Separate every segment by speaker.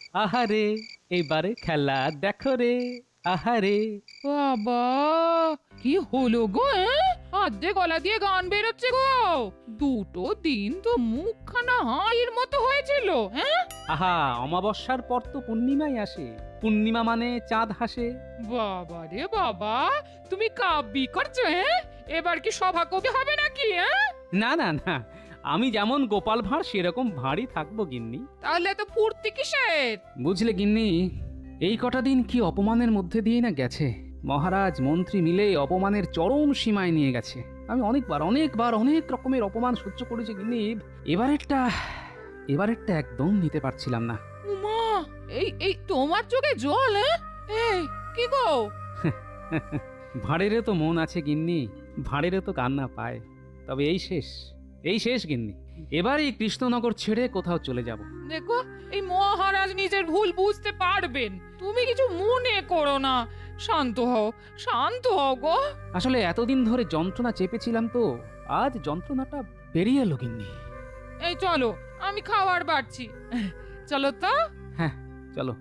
Speaker 1: আহারে এবারে খেলা দেখো রে, আহারে।
Speaker 2: বাবা, কি হলো গো? আধে গলা দিয়ে গান বেরোচ্ছে গো। দুটো দিন তো মুখখানা হাঁড়ির মতো হয়েছিল। হ্যাঁ,
Speaker 1: আহা, অমাবস্যার পর তো পূর্ণিমাই আসে, পূর্ণিমা মানে চাঁদ হাসে।
Speaker 2: বাবা রে বাবা, তুমি কাব্যি করছো? এবার কি সভা কবি হবে নাকি?
Speaker 1: না না না, আমি যেমন গোপাল ভাঁড় সেরকম ভাঁড়ই থাকবো গিন্নি।
Speaker 2: তাহলে তো ফুর্তি কিসের?
Speaker 1: বুঝলে গিন্নি, এই কটা দিন কি অপমানের মধ্যে দিয়ে না গেছে। মহারাজ মন্ত্রী মিলে অপমানের চরম সীমায় নিয়ে গেছে। আমি অনেকবার অনেক রকমের অপমান সহ্য করেছি গিন্নি। এবারেরটা একদম নিতে পারছিলাম না।
Speaker 2: উমা, এই তোমার চোখে জল? এই কি গো?
Speaker 1: ভাঁড়েরও তো মন আছে গিন্নি, ভাঁড়েরও তো কান্না পায়। তবে এই শেষ গিন্নি। এবার এই কৃষ্ণনগর ছেড়ে কোথাও চলে যাব।
Speaker 2: দেখো, এই মহারাজ নিজের ভুল বুঝতে পারবেন, তুমি কিছু মনে করো না। শান্ত হও গো।
Speaker 1: আসলে এতদিন ধরে যন্ত্রণা চেপেছিলাম তো, আজ যন্ত্রণাটা বেরিয়ে এলো গিন্নি।
Speaker 2: এই চলো, আমি খাবার বাড়ছি। চলো তো।
Speaker 1: হ্যাঁ চলো।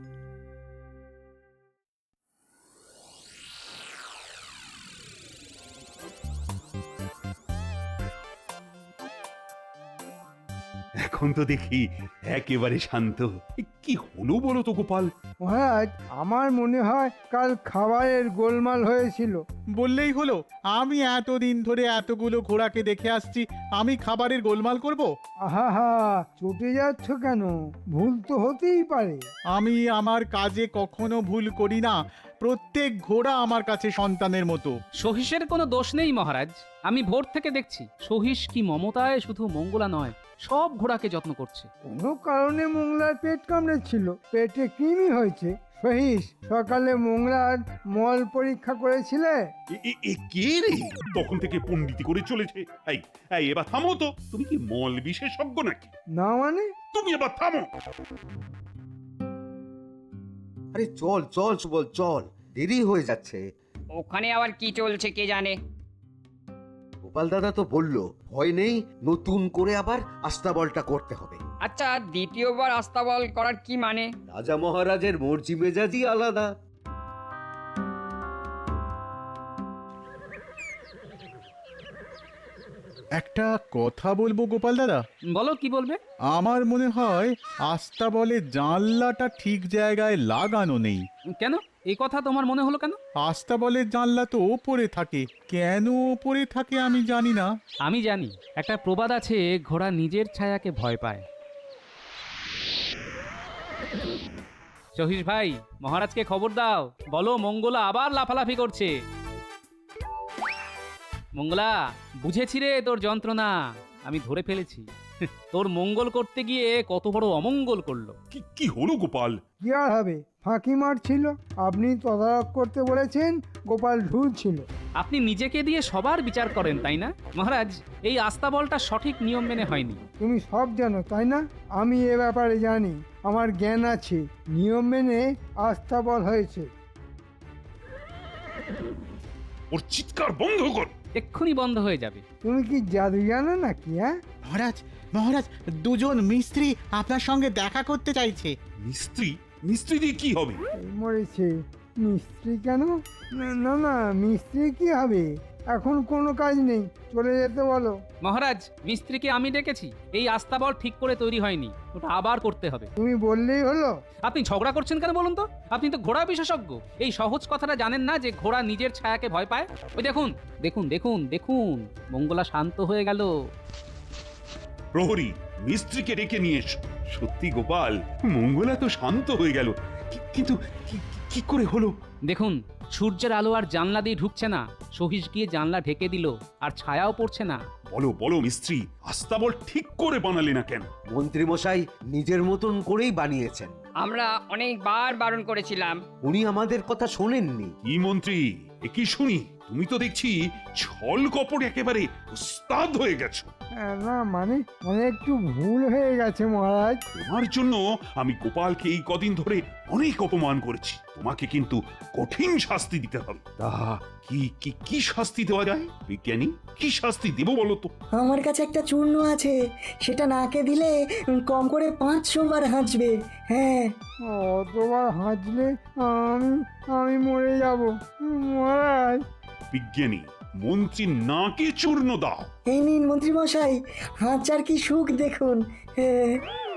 Speaker 3: এখন তো দেখি একেবারে শান্ত। কি হলো বলো তো গোপাল?
Speaker 4: মহারাজ, আমার মনে হয় কাল খাবারের গোলমাল হয়েছিল।
Speaker 5: বললেই হলো, আমি এতদিন ধরে এতগুলো ঘোড়াকে দেখে আসছি, আমি খাবারের গোলমাল করব?
Speaker 4: আহা, চটে যাচ্ছ কেন? ভুল তো হতেই পারে।
Speaker 5: আমি আমার কাজে কখনো ভুল করি না। প্রত্যেক ঘোড়া আমার কাছে সন্তানের মতো।
Speaker 1: সহিসের কোনো দোষ নেই মহারাজ, আমি ভোর থেকে দেখছি সহিস কি মমতায় শুধু মঙ্গলা নয়, সব ঘোড়াকে যত্ন করছে।
Speaker 4: কোনো কারণে মোংলার পেট কামড়েছিল, পেটে কৃমি হয়েছে। সহিস, সকালে মোংলার মল পরীক্ষা করেছিলে?
Speaker 3: কে রে তখন থেকে পণ্ডিতি করে চলেছে? এই এই এবার থামো তো, তুমি কি মল বিশেষজ্ঞ নাকি?
Speaker 4: না মানে?
Speaker 3: তুমি এবার থামো।
Speaker 6: আরে চল চল সুবল, চল, দেরি হয়ে যাচ্ছে।
Speaker 7: ওখানে আবার কি চলছে কে জানে।
Speaker 6: গোপাল দাদা তো বললো ভয় নেই, নতুন করে আবার আস্তাবলটা করতে হবে।
Speaker 7: আচ্ছা, দ্বিতীয়বার আস্তাবল করার কি মানে?
Speaker 6: রাজা মহারাজের মর্জি মেজাজই আলাদা।
Speaker 5: একটা কথা বলবো গোপাল দাদা?
Speaker 1: বলো, কি বলবে?
Speaker 5: আমার মনে হয় আস্তাবলের জানলাটা ঠিক জায়গায় লাগানো নেই।
Speaker 1: কেন এই কথা তোমার মনে হলো কেন?
Speaker 5: আস্তাবলের জানলা তো ওপরে থাকে, কেন ওপরে থাকে আমি জানি না।
Speaker 1: আমি জানি, একটা প্রবাদ আছে, ঘোড়া নিজের ছায়াকে ভয় পায়। সহিস ভাই, মহারাজকে খবর দাও, বলো মঙ্গলা আবার লাফালাফি করছে। মঙ্গলা, বুঝেছি রে তোর যন্ত্রণা, আমি ধরে ফেলেছি। তোর মঙ্গল করতে গিয়ে কত বড় অমঙ্গল করলো।
Speaker 3: কি হলো গোপাল?
Speaker 4: কি আর হবে, ফাঁকি মারছিল। আপনি তদারক করতে বলেছেন, গোপাল ঢুলছিল।
Speaker 1: আপনি নিজেকে দিয়ে সবার বিচার করেন তাই না মহারাজ? এই আস্তাবলটা সঠিক নিয়ম মেনে হয়নি।
Speaker 4: তুমি সব জানো তাই না? আমি এ ব্যাপারে জানি, আমার জ্ঞান আছে। নিয়ম মেনে আস্তাবল হয়েছে।
Speaker 3: ওর চিৎকার বন্ধ কর।
Speaker 1: এক্ষুনি বন্ধ হয়ে যাবে।
Speaker 4: তুমি কি জাদু জানো নাকি?
Speaker 5: মহারাজ, মহারাজ, দুজন মিস্ত্রি আপনার সঙ্গে দেখা করতে চাইছে।
Speaker 3: মিস্ত্রি? মিস্ত্রি দিয়ে কি হবে?
Speaker 4: এই মরেছে। মিস্ত্রি কেন? না না, মিস্ত্রি কি হবে? এখন কোনো কাজ নেই, চলে যেতে বলো।
Speaker 1: মহারাজ, মিস্ত্রিকে আমি ডেকেছি, এই আস্তাবল ঠিক করে তৈরি হয়নি, ওটা আবার করতে হবে।
Speaker 4: তুমি বললেই হলো।
Speaker 1: আপনি ঝগড়া করছেন কেন বলুন তো? আপনি তো ঘোড়া বিশেষজ্ঞ, এই সহজ কথাটা জানেন না যে ঘোড়া নিজের ছায়াকে ভয় পায়? ওই দেখুন দেখুন দেখুন দেখুন, মঙ্গলা শান্ত হয়ে গেল।
Speaker 3: প্রহরী, মিস্ত্রিকে ডেকে নিয়ে এসো। সত্যি গোপাল, মঙ্গলা তো শান্ত হয়ে গেল, কিন্তু কি করে হলো?
Speaker 1: দেখুন, সূর্যের আলো আর জানলা দিয়ে ঢুকছে না, সহিস গিয়ে জানলা ঢেকে দিল, আর ছায়াও পড়ছে না।
Speaker 3: বলো মিস্ত্রি, আস্তাবল ঠিক করে বানালে না কেন?
Speaker 6: মন্ত্রী মশাই নিজের মতন করেই বানিয়েছেন।
Speaker 7: আমরা অনেকবার বারণ করেছিলাম।
Speaker 6: উনি আমাদের কথা শোনেননি।
Speaker 3: কি মন্ত্রী, এ কি শুনি? তুমি তো দেখছি ছল কপট একেবারে উস্তাদ হয়ে গেছো।
Speaker 4: না মানে মানে একটু ভুল হয়ে গেছে মহারাজ।
Speaker 3: তোমার জন্য আমি গোপালকে এই কদিন ধরে অনেক অপমান করেছি, তোমাকে কিন্তু কঠিন শাস্তি দিতে হবে। তা কি কি কি শাস্তি দেওয়া যায় বিজ্ঞানী? কি শাস্তি দেবো বলো তো?
Speaker 8: আমার কাছে একটা চূর্ণ আছে, সেটা নাকে দিলে কম করে 500 বার হাঁচবে। হ্যাঁ,
Speaker 4: অতবার হাঁচলে আমি আমি মরে যাব মহারাজ।
Speaker 3: বিজ্ঞানী, মন্ত্রী নাকে চূর্ণ দাও।
Speaker 8: এই নিন মন্ত্রী মশাই, হাঁচার কি সুখ দেখুন। হ্যাঁ,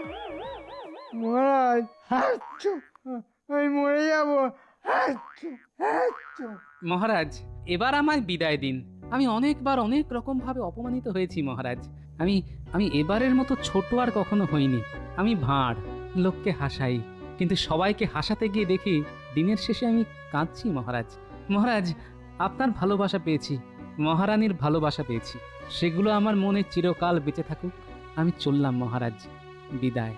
Speaker 4: মহারাজ হাঁচু, আমি মরে যাব। হাঁচু হাঁচু।
Speaker 1: মহারাজ এবার আমায় বিদায় দিন। আমি অনেকবার অনেক রকম ভাবে অপমানিত হয়েছি মহারাজ। আমি আমি এবারের মতো ছোট আর কখনো হইনি। আমি ভাঁড়, লোককে হাসাই, কিন্তু সবাইকে হাসাতে গিয়ে দেখি দিনের শেষে আমি কাঁদছি মহারাজ। মহারাজ আপনার ভালোবাসা পেয়েছি, মহারানীর ভালোবাসা পেয়েছি, সেগুলো আমার মনে চিরকাল বেঁচে থাকুক। আমি চললাম মহারাজ, বিদায়।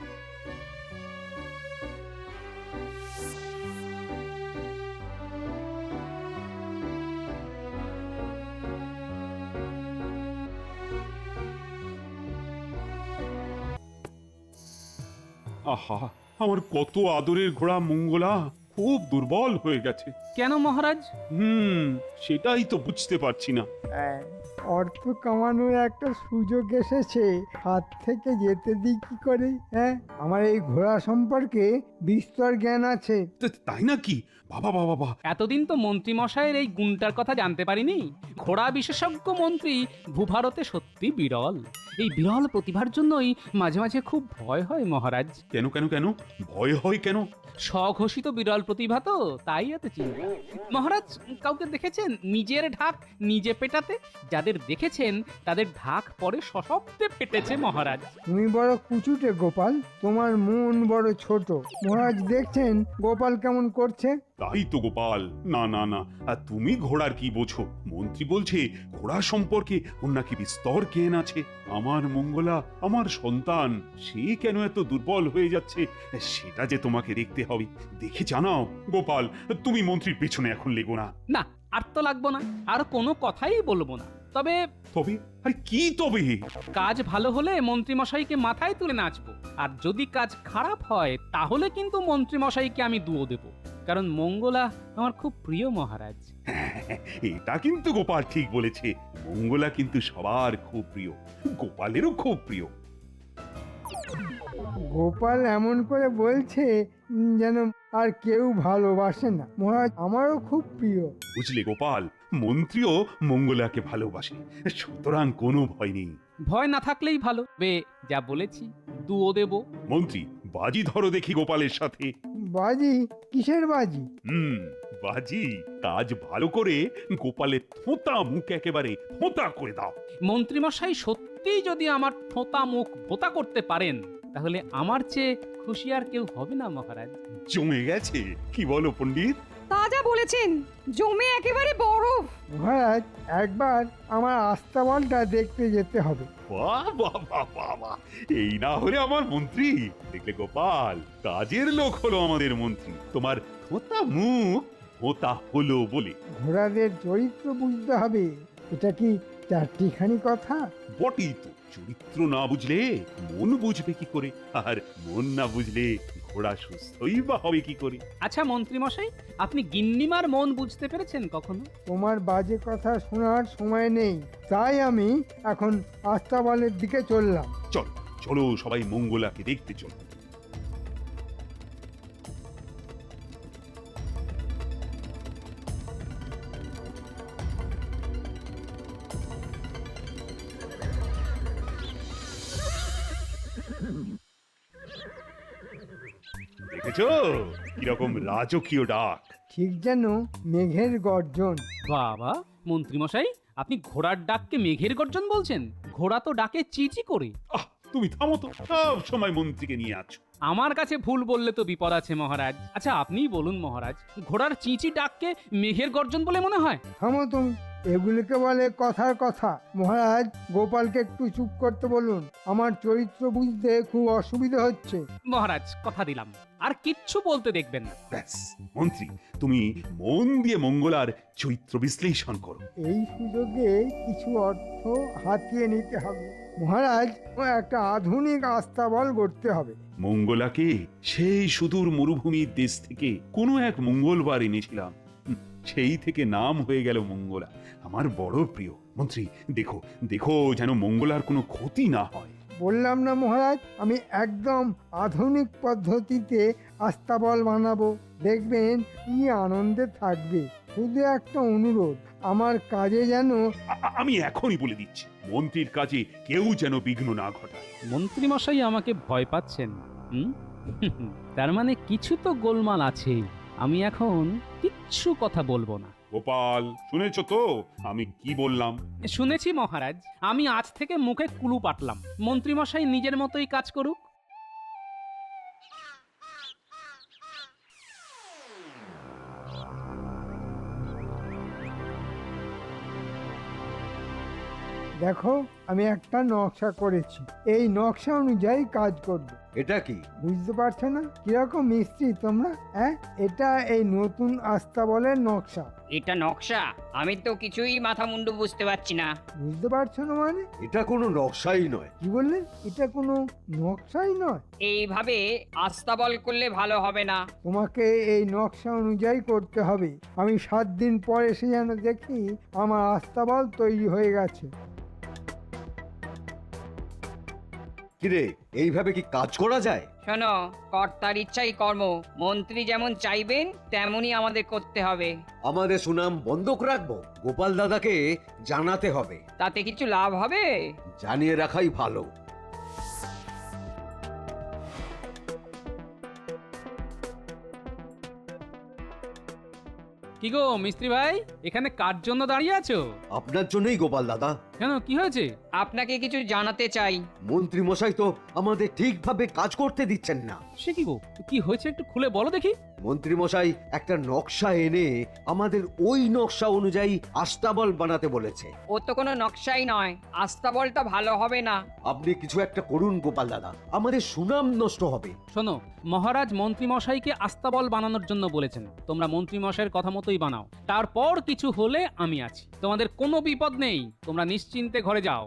Speaker 3: আহা, আমার কত আদরের ঘোড়া মঙ্গলা খুব দুর্বল হয়ে গেছে।
Speaker 1: কেন মহারাজ?
Speaker 3: সেটাই তো বুঝতে পারছি না।
Speaker 4: অর্থ কামানোর একটা সুযোগ এসেছে, হাত থেকে যেতে দিই কি করে? হ্যাঁ, আমার এই ঘোড়া সম্পর্কে বিস্তর জ্ঞান আছে।
Speaker 3: তাই নাকি? বাবা বাবা বাবা,
Speaker 1: এতদিন তো মন্ত্রী মশাইয়ের এই গুণটার কথা জানতে পারিনি। ঘোড়া বিশেষজ্ঞ মন্ত্রী ভূভারতে সত্যি বিরল। এই বিরল প্রতিভার জন্যই মাঝে মাঝে খুব ভয় হয় মহারাজ।
Speaker 3: কেন কেন কেন ভয় হয় কেন?
Speaker 1: স্বঘোষিত বিরল প্রতিভা তো, তাই এত চিন্তা। মহারাজ কাউকে দেখেছেন নিজের ঢাক নিজে পেটাতে? যাদের দেখেছেন তাদের ঢাক পরে সশব্দে পেটেছে মহারাজ।
Speaker 4: তুমি বড় কুচুটে গোপাল, তোমার মন বড় ছোট। মহারাজ দেখছেন গোপাল কেমন করছে?
Speaker 3: তাই তো গোপাল, না না না, আর তুমি ঘোড়ার কি বোঝো? মন্ত্রী বলছে ঘোড়া সম্পর্কে ওর নাকি বিস্তর জ্ঞান আছে। আমার মঙ্গলা, আমার সন্তান, সে কেন এত দুর্বল হয়ে যাচ্ছে সেটা যে তোমাকে দেখতে হবে। দেখে জানাও গোপাল, তুমি মন্ত্রীর পেছনে এখন লেগো না।
Speaker 1: না, আর তো লাগবো না, আর কোনো কথাই বলবো না। তবে
Speaker 3: তবে আরে কি তবে?
Speaker 1: কাজ ভালো হলে মন্ত্রী মশাইকে মাথায় তুলে নাচবো, আর যদি কাজ খারাপ হয় তাহলে কিন্তু মন্ত্রী মশাইকে আমি দুয়ো দেব। কারণ মঙ্গলা আমার খুব প্রিয় মহারাজ।
Speaker 3: এটা কিন্তু গোপাল ঠিক বলেছে, মঙ্গলা কিন্তু সবার খুব প্রিয়, গোপালেরও খুব প্রিয়।
Speaker 4: গোপাল এমন করে বলছে যেন আর কেউ ভালোবাসে না। মহারাজ আমারও খুব প্রিয়।
Speaker 3: বুঝলে গোপাল, মন্ত্রীও মঙ্গলাকে ভালোবাসে, সুতরাং কোনো ভয় নেই।
Speaker 1: ভয় না থাকলেই ভালো। যা বলেছি, দুয়ো দেব।
Speaker 3: মন্ত্রী, বাজি ধরো দেখি গোপালের সাথে।
Speaker 4: বাজি? কিসের বাজি?
Speaker 3: বাজি, কাজ ভালো করে গোপালের থোঁতা মুখ একেবারে থোঁতা করে দাও।
Speaker 1: মন্ত্রী মশাই সত্যিই যদি আমার থোঁতা মুখ ভোতা করতে পারেন তাহলে আমার চেয়ে খুশি আর কেউ হবে না মহারাজ।
Speaker 3: জমে গেছে, কি বলো পণ্ডিত?
Speaker 9: তা যা বলেছেন, জমে একেবারে বরফ।
Speaker 4: মহারাজ একবার আমার আস্তাবলটা দেখতে যেতে হবে।
Speaker 3: বাহ বাহ বাহ বাহ বাহ, এই না হলে আমার মন্ত্রী। দেখলে গোপাল, কাজের লোক হলো আমাদের মন্ত্রী, তোমার থোঁতা মুখ ভোঁতা হলো বলে।
Speaker 4: ঘোড়াদের চরিত্র বুঝতে হবে, এটা কি চারটিখানি কথা?
Speaker 3: বটেই তো, চরিত্র না বুঝলে মন বুঝবে কি করে, আর মন না বুঝলে ঘোড়া সুস্থই বা হবে কি করে?
Speaker 1: আচ্ছা মন্ত্রী মশাই, আপনি গিন্নিমার মন বুঝতে পেরেছেন কখনো?
Speaker 4: তোমার বাজে কথা শোনার সময় নেই, তাই আমি এখন আস্তাবলের দিকে চললাম।
Speaker 3: চলো চলো, সবাই মঙ্গলাকে দেখতে চলো। দেখেছো কিরকম রাজকীয় ডাক?
Speaker 4: ঠিক যেন মেঘের গর্জন।
Speaker 1: বাবা, মন্ত্রী মশাই আপনি ঘোড়ার ডাককে মেঘের গর্জন বলছেন? ঘোড়া তো ডাকে চিচি করে।
Speaker 3: আহ, তুমি থামো তো, সব সময় মন্ত্রীকে নিয়ে আছো।
Speaker 1: আমার কাছে ভুল বললে তো বিপদ আছে মহারাজ। আচ্ছা আপনিই বলুন মহারাজ, ঘোড়ার চিঁচি ডাককে মেঘের গর্জন বলে মনে হয়?
Speaker 4: থামো তুমি, এগুলিকে বলে কথার কথা। মহারাজ, গোপালকে একটু চুপ করতে বলুন, আমার চরিত্র বুঝতে খুব অসুবিধা হচ্ছে।
Speaker 1: মহারাজ কথা দিলাম আর কিচ্ছু বলতে দেখবেন না।
Speaker 3: ব্যাস মন্ত্রী, তুমি মন দিয়ে মঙ্গলার চরিত্র বিশ্লেষণ করো।
Speaker 4: এই সুযোগে কিছু অর্থ হাতিয়ে নিতে হবে মহারাজ, ও একটা আধুনিক আস্তাবল গড়তে হবে।
Speaker 3: মঙ্গলাকে সেই সুদূর মরুভূমির দেশ থেকে কোনো এক মঙ্গলবার এনেছিলাম, সেই থেকে নাম হয়ে গেল মঙ্গলা। আমার বড় প্রিয় মন্ত্রী, দেখো দেখো যেন মঙ্গলার কোনো ক্ষতি না হয়।
Speaker 4: বললাম না মহারাজ, আমি একদম আধুনিক পদ্ধতিতে আস্তাবল বানাবো, দেখবেন কি আনন্দে থাকবে। শুধু একটা অনুরোধ, আমার কাজে যেন
Speaker 3: আমি এখনই বলে দিচ্ছি, মন্ত্রীর কাজে কেউ যেন বিঘ্ন না ঘটায়।
Speaker 1: মন্ত্রী মশাই আমাকে ভয় পাচ্ছেন? হুম? তার মানে কিছু তো গোলমাল আছে। আমি এখন কিচ্ছু কথা বলবো না।
Speaker 3: গোপাল, শুনেছো তো আমি কি বললাম?
Speaker 1: শুনেছি মহারাজ, আমি আজ থেকে মুখে কুলু পাটলাম। মন্ত্রী মশাই নিজের মতোই কাজ করুক।
Speaker 4: দেখো, আমি একটা নকশা করেছি, এই নকশা অনুযায়ী কাজ করবে।
Speaker 6: এটা কি?
Speaker 4: বুঝতে পারছো না কিরকম মিস্ত্রি তোমরা? হ্যাঁ, এটা এই নতুন আস্তাবলের নকশা।
Speaker 7: এটা নকশা? আমি তো কিছুই মাথা মুন্ডু বুঝতে পারছি না।
Speaker 4: বুঝতে পারছো না মানে?
Speaker 6: এটা কোনো নকশাই নয়।
Speaker 4: কি বললে? এটা কোনো নকশাই নয়?
Speaker 7: এইভাবে আস্তাবল করলে ভালো হবে না।
Speaker 4: তোমাকে এই নকশা অনুযায়ী করতে হবে। আমি 7 দিন পর এসে যেন দেখি আমার আস্তাবল তৈরি হয়ে গেছে।
Speaker 6: কিরে, এইভাবে কি কাজ করা যায়?
Speaker 7: শোনো, কর্তার ইচ্ছাই কর্ম। মন্ত্রী যেমন চাইবেন তেমনই আমাদের করতে হবে।
Speaker 6: আমাদের সুনাম বন্ধক রাখবো? গোপাল দাদাকে জানাতে হবে।
Speaker 7: তাতে কিছু লাভ হবে?
Speaker 6: জানিয়ে রাখাই ভালো।
Speaker 1: কি গো মিস্ত্রি ভাই, এখানে কার জন্য দাঁড়িয়ে আছো?
Speaker 6: আপনার জন্যই গোপাল দাদা।
Speaker 1: কেন, কি হয়েছে?
Speaker 7: আপনাকে কিছু জানাতে চাই।
Speaker 6: মন্ত্রী মশাই তো আমাদের ঠিকভাবে কাজ করতে দিচ্ছেন না।
Speaker 1: সে কি গো, কি হয়েছে একটু খুলে বলো দেখি।
Speaker 6: মন্ত্রী মশাই একটা নকশা এনে আমাদের ওই নকশা অনুযায়ী আস্তাবল বানাতে বলেছে।
Speaker 7: ও তো কোনো নকশাই নয়, আস্তাবলটা ভালো হবে না।
Speaker 6: আপনি কিছু একটা করুন গোপাল দাদা, আমাদের সুনাম নষ্ট হবে।
Speaker 1: শোনো, মহারাজ মন্ত্রী মশাইকে আস্তাবল বানানোর জন্য বলেছেন। তোমরা মন্ত্রী মশাইয়ের কথা মতোই বানাও। তারপর কিছু হলে আমি আছি, তোমাদের কোনো বিপদ নেই। তোমরা নিশ্চিন্তে ঘরে যাও।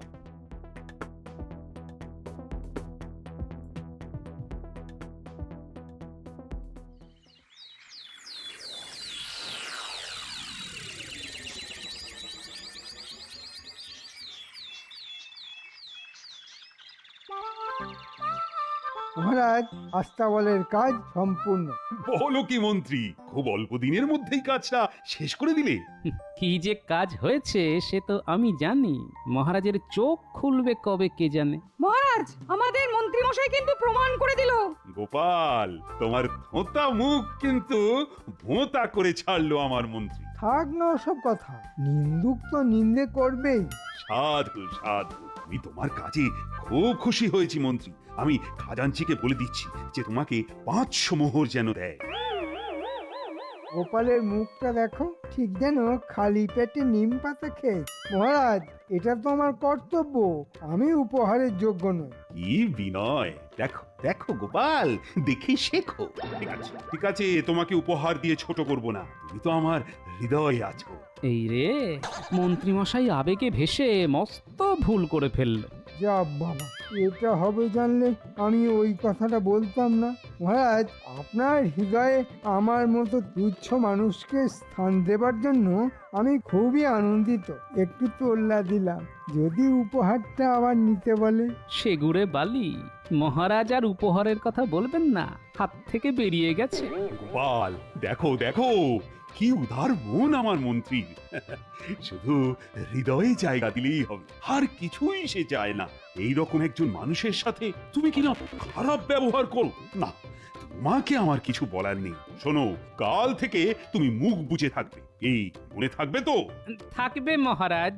Speaker 4: মহারাজ, আস্তাবলের কাজ সম্পূর্ণ।
Speaker 3: বলো কি মন্ত্রী, খুব অল্প দিনের মধ্যেই কাজটা শেষ করে দিলে?
Speaker 1: কি যে কাজ হয়েছে সে তো আমি জানি, মহারাজের চোখ খুলবে কবে কে জানে।
Speaker 9: মহারাজ, আমাদের মন্ত্রী মশাই কিন্তু প্রমাণ করে দিল।
Speaker 3: গোপাল, তোমার ধোঁতা মুখ কিন্তু ভোঁতা করে ছাড়লো আমার মন্ত্রী।
Speaker 4: থাক না ওসব কথা, নিন্দুক তো নিন্দে করবেই।
Speaker 3: সাধু সাধু, আমি তোমার কাজে খুব খুশি হয়েছি মন্ত্রী। আমি খাজাঞ্চিকে বলে দিচ্ছি যে তোমাকে 500 মোহর যেন দেয়।
Speaker 4: গোপালের মুখটা দেখো, ঠিক যেন খালি পেটে নিম পাতা খেয়ে। মহারাজ, এটা তো আমার কর্তব্য, আমি উপহারের যোগ্য নই।
Speaker 3: কি বিনয়! দেখো দেখো গোপাল, দেখে শেখো। ঠিক আছে, তোমাকে উপহার দিয়ে ছোট করব না, তুমি তো আমার হৃদয়ে আছো।
Speaker 1: এই রে, মন্ত্রী মশাই আবেগে ভেসে মস্ত ভুল করে ফেললো।
Speaker 4: যা বাবা, এটা হবে জানলে আমি ওই কথাটা বলতাম না। মহারাজ, আপনার হৃদয়ে আমার মতো তুচ্ছ মানুষকে স্থান দেবার জন্য আমি খুবই আনন্দিত। একটু তোল্লা দিলাম, যদি উপহারটা আবার নিতে বলে।
Speaker 1: সেগুড়ে বালি, মহারাজ আর উপহারের কথা বলবেন না, হাত থেকে বেরিয়ে গেছে।
Speaker 3: গোপাল, দেখো দেখো কি উদার মন আমার মন্ত্রী। শুধু হৃদয়ে জায়গা দিলেই হবে, আর কিছুই সে চায় না। এই রকম একজন মানুষের সাথে তুমি কিনা খারাপ ব্যবহার করো না। তোমাকে আমার কিছু বলার নেই। শোনো, কাল থেকে তুমি মুখ বুজে থাকবে, এই মনে থাকবে তো?
Speaker 1: থাকবে মহারাজ।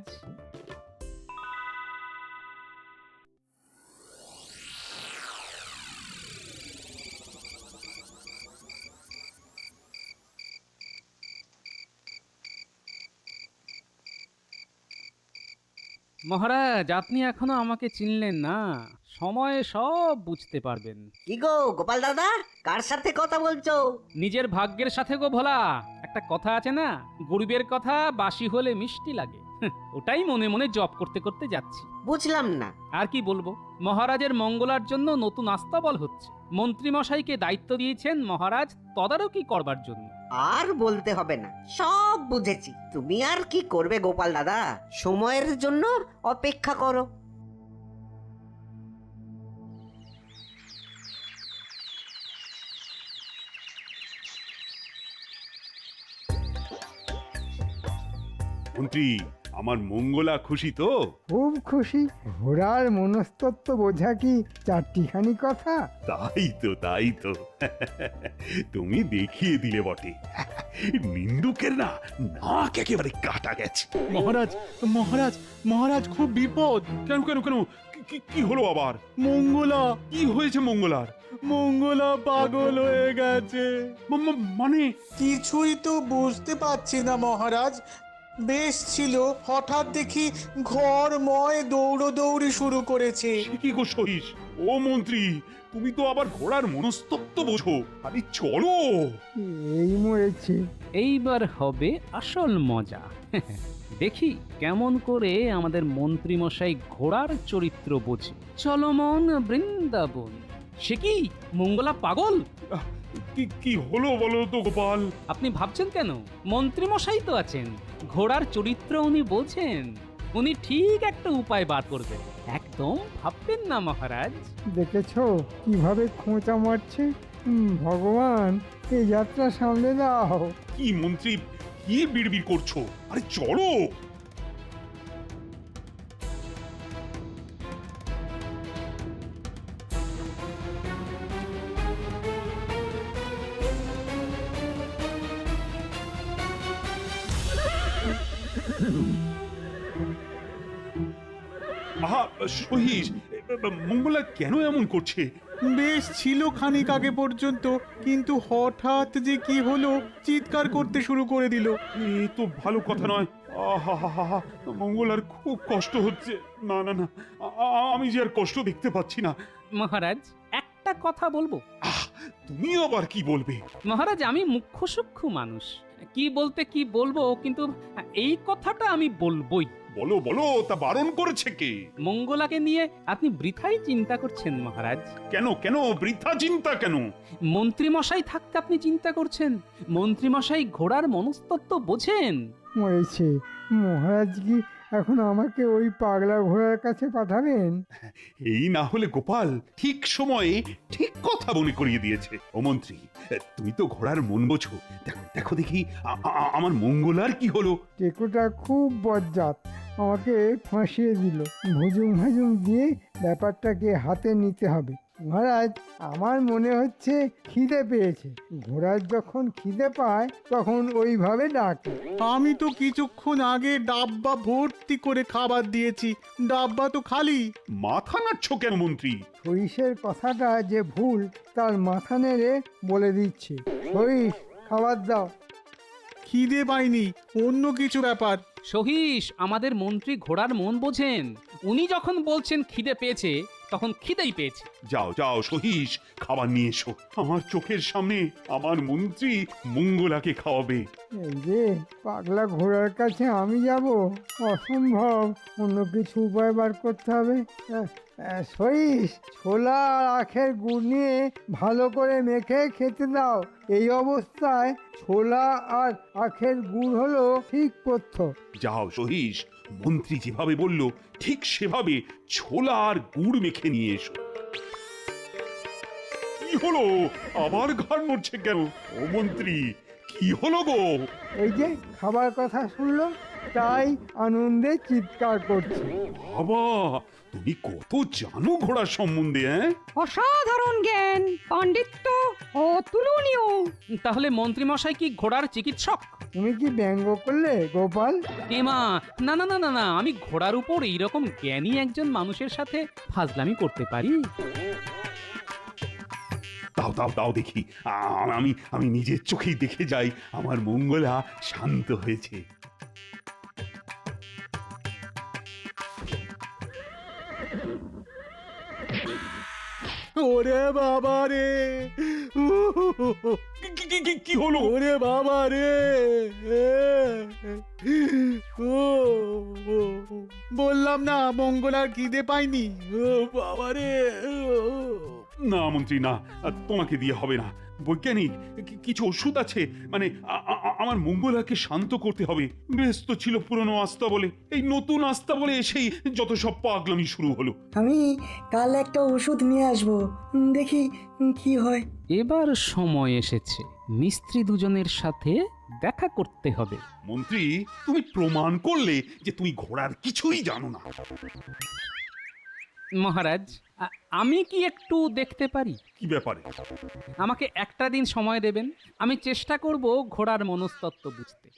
Speaker 1: মহারাজ আপনি এখনো আমাকে চিনলেন না, সময়ে সব বুঝতে পারবেন।
Speaker 10: কি গো গোপাল দাদা, কার সাথে কথা বলছো?
Speaker 1: নিজের ভাগ্যের সাথে গো ভোলা, একটা কথা আছে না, গরিবের কথা বাসি হলে মিষ্টি লাগে। ওটাই মনে মনে জপ করতে করতে যাচ্ছি।
Speaker 10: বুঝলাম না।
Speaker 1: আর কি বলবো, মহারাজের মঙ্গলার জন্য নতুন আস্তাবল হচ্ছে। মন্ত্রী মশাইকে দায়িত্ব দিয়েছেন মহারাজ তদারকি করবার জন্য।
Speaker 10: আর বলতে হবে না, সব বুঝেছি। তুমি আর কি করবে গোপাল দাদা, সময়ের জন্য অপেক্ষা করো।
Speaker 3: মন্ত্রী, আমার মঙ্গলা খুশি তো?
Speaker 4: খুব খুশি। ঘোড়ার মনস্তত্ত্ব বোঝা কি চারটিখানি কথা?
Speaker 3: তাই তো তুমি দেখিয়ে দিলে বটে। নিন্দুকের না নাক একেবারে কাটা গেছে।
Speaker 5: মহারাজ মহারাজ মহারাজ, খুব বিপদ।
Speaker 3: কেন কেন কেন কি হলো আবার?
Speaker 5: মঙ্গলা
Speaker 3: কি হয়েছে মঙ্গলার?
Speaker 5: মঙ্গলা পাগল হয়ে গেছে।
Speaker 3: মানে
Speaker 11: কিছুই তো বুঝতে পারছি না মহারাজ। বেশ ছিল, হঠাৎ দেখি ঘরময় দৌড়দৌড়ি শুরু করেছে।
Speaker 3: সে কি গো সহিস? ও মন্ত্রী, তুমি তো আবার ঘোড়ার মনস্তত্ত্ব বোঝো। আরে চলো।
Speaker 4: এই মরেছে।
Speaker 1: এইবার হবে আসল মজা। দেখি কেমন করে আমাদের মন্ত্রী মশাই ঘোড়ার চরিত্র বোঝে। চলো মন বৃন্দাবন। সে কি মঙ্গলা পাগল?
Speaker 3: কি হলো বলো তো গোপাল?
Speaker 1: আপনি ভাবছেন কেন? মন্ত্রী মশাই তো আছেন, ঘোড়ার চরিত্র উনি বোঝেন। উনি ঠিক একটা উপায় বার করবেন, একদম ভাববেন না মহারাজ।
Speaker 4: দেখেছো কিভাবে খোঁচা মারছে? ভগবান, এই যাত্রা সামলে দাও।
Speaker 3: কি মন্ত্রী, কি বিড়বিড় করছো? আরে চলো। আহা সহিস, মঙ্গলা কেন এমন করছে?
Speaker 5: বেশ ছিল খানিক আগে পর্যন্ত, কিন্তু হঠাৎ যে কি হলো, চিৎকার করতে শুরু করে দিল।
Speaker 3: এ তো ভালো কথা নয়। আহা, মঙ্গলার খুব কষ্ট হচ্ছে। না না না, আমি যে আর কষ্ট দেখতে পাচ্ছি না।
Speaker 1: মহারাজ একটা কথা বলবো?
Speaker 3: তুমি আবার কি বলবে?
Speaker 1: মহারাজ আমি মুখ্য সূক্ষ্ম মানুষ, কি বলতে কি বলবো, কিন্তু এই কথাটা আমি বলবোই।
Speaker 3: বলো বলো, তা বারণ করেছে কে?
Speaker 1: মঙ্গলাকে নিয়ে আপনি বৃথাই চিন্তা করছেন মহারাজ।
Speaker 3: কেন বৃথা চিন্তা কেন?
Speaker 1: মন্ত্রী মশাই থাকতে আপনি চিন্তা করছেন। মন্ত্রী মশাই ঘোড়ার মনস্তত্ত্ব বোঝেন।
Speaker 4: মরেছে। মহারাজ কি এখন আমাকে ওই পাগলা ঘোড়ার কাছে পাঠাবেন?
Speaker 3: এই না হলে গোপাল ঠিক সময়ে ঠিক কথা মনে করিয়ে দিয়েছে। ও মন্ত্রী, তুমি তো ঘোড়ার মন বোঝো। দেখো দেখি আমার মঙ্গলার কি হলো?
Speaker 4: টেকুটা খুব বজ্জাত, আমাকে ফাঁসিয়ে দিল। ভুজুং দিয়ে ব্যাপারটাকে হাতে নিতে হবে। মহারাজ, আমার মনে হচ্ছে খিদে পেয়েছে। ঘোড়ার যখন খিদে পায় তখন ওইভাবে ডাকে।
Speaker 5: আমি তো কিছুক্ষণ আগে ডাব্বা ভর্তি করে খাবার দিয়েছি, ডাব্বা তো খালি।
Speaker 3: মাথা নাড়ছ কেন মন্ত্রী?
Speaker 4: সরিষের কথাটা যে ভুল তার মাথা নেড়ে বলে দিচ্ছে। সরিষ, খাবার দাও।
Speaker 5: খিদে পাইনি, অন্য কিছু ব্যাপার।
Speaker 1: সহিস, আমাদের মন্ত্রী ঘোড়ার মন বোঝেন। উনি যখন বলছেন খিদে পেয়েছে, তখন খিদেই পেয়েছে।
Speaker 3: যাও সহিস, খাবার নিয়ে এসো। আমার চোখের সামনে আমার মন্ত্রী মঙ্গলাকে খাওয়াবে।
Speaker 4: এই যে পাগলা ঘোড়ার কাছে আমি যাব, অসম্ভব। অন্য কিছু উপায় বার করতে হবে। সইস, ছোলা আর আখের গুড় নিয়ে ভালো করে মেখে খেতে দাও। এই অবস্থায় ছোলা আর আখের গুড় হলো ঠিক পথ্য।
Speaker 3: যাও সহিস, মন্ত্রী যেভাবে বলল ঠিক সেভাবে ছোলা আর গুড় মেখে নিয়ে এসো। কি হলো? আবার ঘাড় নড়ছে কেন? ও মন্ত্রী, কি হলো গো?
Speaker 4: এই যে খাবার কথা শুনলো, তাই আনন্দে চিৎকার করছে।
Speaker 3: বাবা, তুমি কত জানো ঘোড়ার সম্বন্ধে?
Speaker 9: অসাধারণ জ্ঞান, পাণ্ডিত্য, অতুলনীয়।
Speaker 1: তাহলে মন্ত্রী মশাই কি ঘোড়ার চিকিৎসক?
Speaker 4: তুমি কি ব্যঙ্গ করলে গোপাল?
Speaker 1: এমা, না না না না না, আমি ঘোড়ার উপর এইরকম জ্ঞানী একজন মানুষের সাথে ফাজলামি করতে পারি?
Speaker 3: দাও দেখি, আমি নিজের চোখেই দেখে যাই আমার মঙ্গলা শান্ত হয়েছে।
Speaker 5: ওরে বাবা রে,
Speaker 3: কি হলো?
Speaker 5: ওরে বাবা রে, বললাম না মঙ্গলার খিদে পাইনি। ও বাবা রে।
Speaker 3: না মন্ত্রী না, তোমাকে দিয়ে হবে না। বৈজ্ঞানিক কিছু ওষুধ আছে? মানে আমার মঙ্গলাকে শান্ত করতে হবে। ব্যস্ত ছিল পুরনো আস্থা বলে, এই নতুন আস্থা বলে এসেই যত সব পাগলামি শুরু হলো।
Speaker 8: আমি কাল একটা ওষুধ নিয়ে আসবো, দেখি কি হয়।
Speaker 1: এবার সময় এসেছে মিস্ত্রি দুজনের সাথে দেখা করতে হবে।
Speaker 3: মন্ত্রী, তুমি প্রমাণ করলে যে তুমি ঘোড়ার কিছুই জানো না।
Speaker 1: মহারাজ, আমি কি একটু দেখতে পারি?
Speaker 3: কি ব্যাপারে?
Speaker 1: আমাকে একটা দিন সময় দেবেন, আমি চেষ্টা করব ঘোড়ার মনস্তত্ত্ব বুঝতে।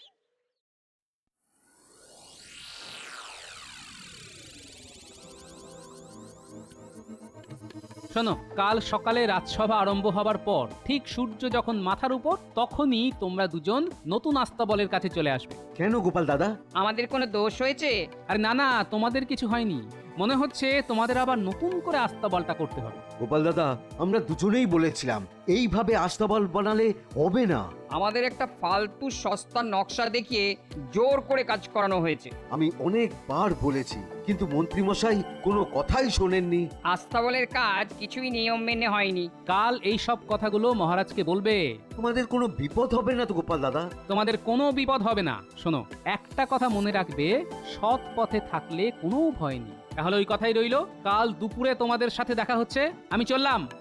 Speaker 1: শোনো, কাল সকালে রাজসভা আরম্ভ হবার পর ঠিক সূর্য যখন মাথার উপর, তখনই তোমরা দুজন নতুন আস্তাবলের কাছে চলে আসবে।
Speaker 6: কেন গোপাল দাদা?
Speaker 7: আমাদের কোনো দোষ হয়েছে?
Speaker 1: আরে না না, তোমাদের কিছু হয়নি। মনে হচ্ছে তোমাদের আবার নতুন করে আস্তাবলটা করতে হবে।
Speaker 6: গোপাল দাদা, আমরা দুজনেই বলেছিলাম এইভাবে আস্তাবল বানালে হবে না।
Speaker 7: আমাদের একটা ফালতু সস্তা নকশা দেখিয়ে জোর করে কাজ করানো হয়েছে।
Speaker 6: আমি অনেকবার বলেছি, কিন্তু মন্ত্রী মশাই কোনো কথাই শোনেননি।
Speaker 7: আস্তাবলের কাজ কিছুই নিয়ম মেনে হয়নি।
Speaker 1: কাল এই সব কথাগুলো মহারাজকে বলবে।
Speaker 6: তোমাদের কোনো বিপদ হবে না তো গোপাল দাদা?
Speaker 1: তোমাদের কোনো বিপদ হবে না। শোনো, একটা কথা মনে রাখবে, সৎ পথে থাকলে কোনো ভয় নেই। তাহলে ওই কথাই রইলো, কাল দুপুরে তোমাদের সাথে দেখা হচ্ছে। আমি চললাম।